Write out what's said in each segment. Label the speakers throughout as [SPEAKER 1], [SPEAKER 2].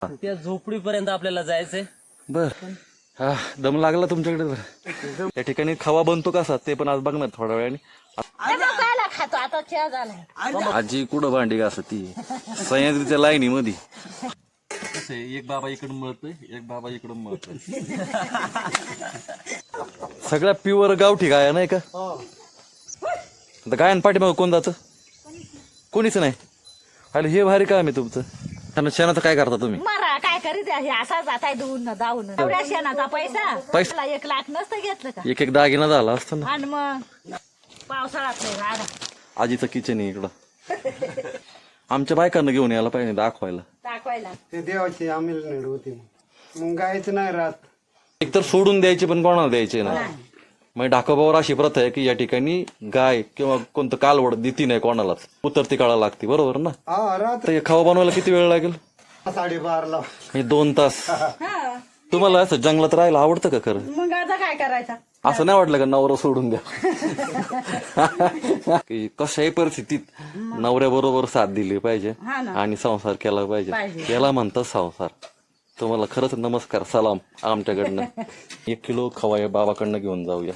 [SPEAKER 1] त्या झोपडीपर्यंत आपल्याला जायचंय.
[SPEAKER 2] बर हा दम लागला तुमच्याकडे. बरं त्या ठिकाणी खवा बनतो कसा ते पण आज बघणार थोड्या वेळाने.
[SPEAKER 3] खातो आता चहा झाला.
[SPEAKER 2] आजी कुठं भांडी घासत ती सह्याद्रीच्या लाईनी मध्ये. एक बाबा इकडून मळतोय एक बाबा इकडून मळतोय. सगळ्या प्युअर गावठी गाया नाही का? गायन पाठीमाग कोण जातं? कोणीच नाही. अरे हे भारी काम आहे तुमचं. शेणाचं काय करता तुम्ही?
[SPEAKER 3] मारा काय करीत आहे असा जाताय धुवून जाऊन एवढ्या शेणाचा पैसा 1 लाख नसतं घेतलं का?
[SPEAKER 2] एक दागिना झाला असतं ना.
[SPEAKER 3] आणि मग पावसाळ्यात नाही राडा.
[SPEAKER 2] आजीचं किचन आहे इकडं. आमच्या बायकांना घेऊन यायला पाहिजे दाखवायला.
[SPEAKER 4] ते देवाची आम्हाला नेड होती मग गायचं नाही राहत.
[SPEAKER 2] एकतर सोडून द्यायचे पण कोणाला द्यायचे नाही. मग ढाकोबावर अशी प्रथा आहे की या ठिकाणी गाय किंवा कोणतं कालवड देती नाही कोणालाच. उतरती काळा लागते बरोबर ना?
[SPEAKER 4] हा राहत
[SPEAKER 2] तर हे खावा बनवायला किती वेळ लागेल?
[SPEAKER 4] 12:30
[SPEAKER 2] हे 2 तास. तुम्हाला असं जंगलात राहायला आवडतं का खरं?
[SPEAKER 3] मग आता काय करायचं?
[SPEAKER 2] असं नाही वाटलं का नवरा सोडून द्या? की कशाही परिस्थितीत नवऱ्याबरोबर साथ दिली पाहिजे आणि संसार केला पाहिजे. याला म्हणतात संसार. तुम्हाला खरंच नमस्कार सलाम आमच्याकडनं. 1 किलो खवा या बाबाकडनं घेऊन जाऊया.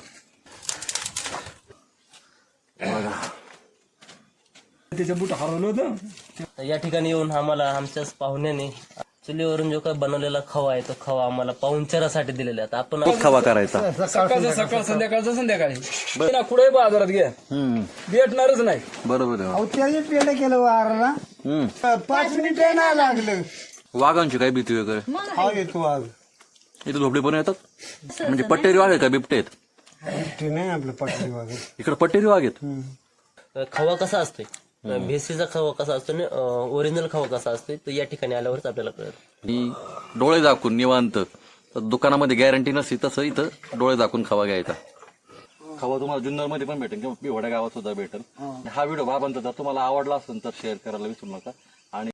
[SPEAKER 5] त्याच्या बुट हरवलं होतं.
[SPEAKER 1] तर या ठिकाणी येऊन आम्हाला आमच्याच पाहुण्याने चुलीवरून जो काही बनवलेला खवा आहे तो खवा आम्हाला पाहुणचारासाठी दिलेला आहे. आपण
[SPEAKER 2] खवा करायचा
[SPEAKER 5] सकाळचं सकाळ संध्याकाळचं संध्याकाळी ना कुठे बाजारात घ्या भेटणारच नाही.
[SPEAKER 2] बरोबर आहे.
[SPEAKER 4] अहो त्याने पेढ केलं वारला 5 मिनिटं नाही लागलं.
[SPEAKER 2] वाघांची काय भीती वगैरे?
[SPEAKER 4] हा येतो वाघ.
[SPEAKER 2] इथे झोपडी पण येतात. म्हणजे पट्टेरी वाघ आहे का बिबटे आहेत?
[SPEAKER 4] ते नाही आपलं पटली वाघ.
[SPEAKER 2] इकडे पट्टेरी वाघ आहेत.
[SPEAKER 1] खवा कसा असतोय, भेसीचा खवा कसा असतो आणि ओरिजिनल खवा कसा असतोय तो या ठिकाणी आल्यावरच आपल्याला कळत.
[SPEAKER 2] ही डोळे झाकून निवांत. दुकानामध्ये गॅरंटी नसती तसं इथं डोळे झाकून खवा घ्यायचा. खवा तुम्हाला जुन्नर मध्ये पण भेटेल किंवा पिवड्या गावात सुद्धा भेटेल. हा व्हिडिओ बाबांचा जर तुम्हाला आवडला असेल तर शेअर करायला विसरू नका. आणि